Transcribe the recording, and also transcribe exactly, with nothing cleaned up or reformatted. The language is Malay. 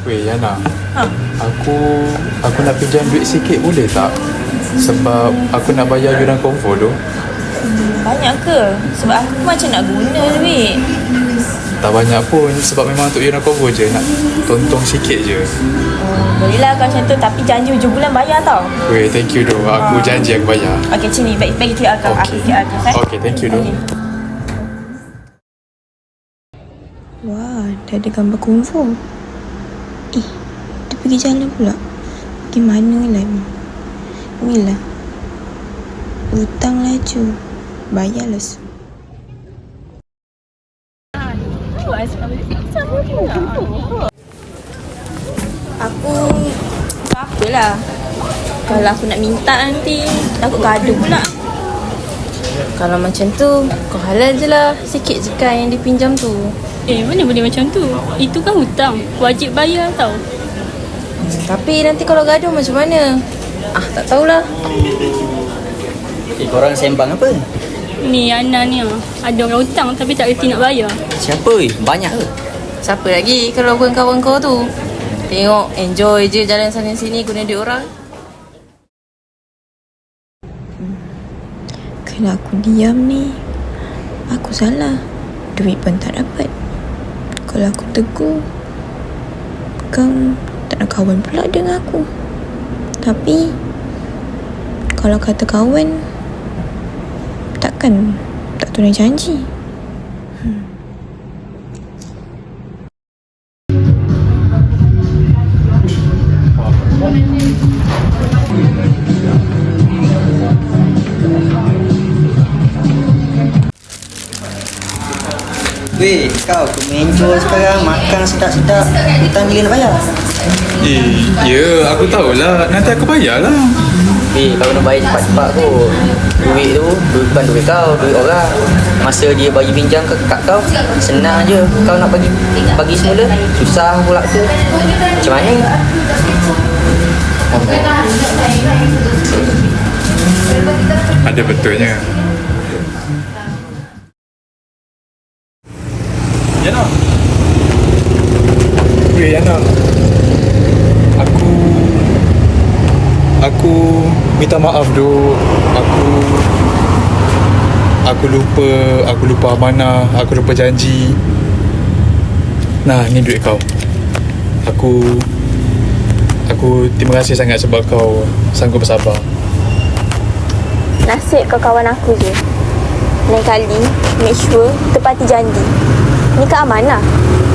Weh Yana, Ha. Aku Aku nak pinjam duit sikit boleh tak? Sebab aku nak bayar yuran konvo tu. Banyak ke? Sebab aku macam nak guna duit. Tak banyak pun, sebab memang untuk yuran konvo je. Nak tontong sikit je. Oh, bolehlah kalau macam tu. Tapi janji hujung bulan bayar tau. Weh, thank you doh. Aku janji aku bayar. Okay, sini. Bagi, bagi Q R kau. Aku Okay. Q R kau. Eh? Okay, thank you doh. Okay. Wah, dah ada gambar konvo. Eh, dia pergi jalan pula. Pergi mana lah ni? Inilah. Hutang laju. Bayarlah su. Aku tak apalah. Kalau aku nak minta nanti, takut gaduh pula. Kalau macam tu, kau halal je lah. Sikit je kan yang dipinjam tu. Eh, mana boleh macam tu? Itu kan hutang. Wajib bayar tau. Tapi nanti kalau gaduh macam mana? Ah, tak tahulah. Eh, korang sembang apa? Ni Ana ni ah. Ada orang hutang tapi tak reti nak bayar. Siapa? Eh? Banyak ke? Siapa lagi kalau bukan kawan kau tu? Tengok, enjoy je jalan sana sini guna duit orang. Kalau aku diam ni, aku salah. Duit pun tak dapat. Kalau aku tegur, kau tak nak kawan pula dengan aku. Tapi kalau kata kawan, takkan tak tunai janji. Weh, kau kemenjol sekarang. Makan sedap-sedap. Hutang bila nak bayar? Eh, ya, aku tahulah. Nanti aku bayar lah. Eh, kalau nak bayar cepat-cepat kot. Duit tu, duit bukan duit kau, duit orang. Masa dia bagi pinjam ke kat kau, senang je. Kau nak bagi bagi semula, susah pula tu. Macam mana? Ada betulnya. Yana. Weh Yana. Aku Aku minta maaf doh. Aku Aku lupa Aku lupa amanah. Aku lupa janji. Nah, ni duit kau. Aku Aku terima kasih sangat sebab kau sanggup bersabar. Nasib kau kawan aku je. Lain kali, make sure tepati janji. Ni ke amanah.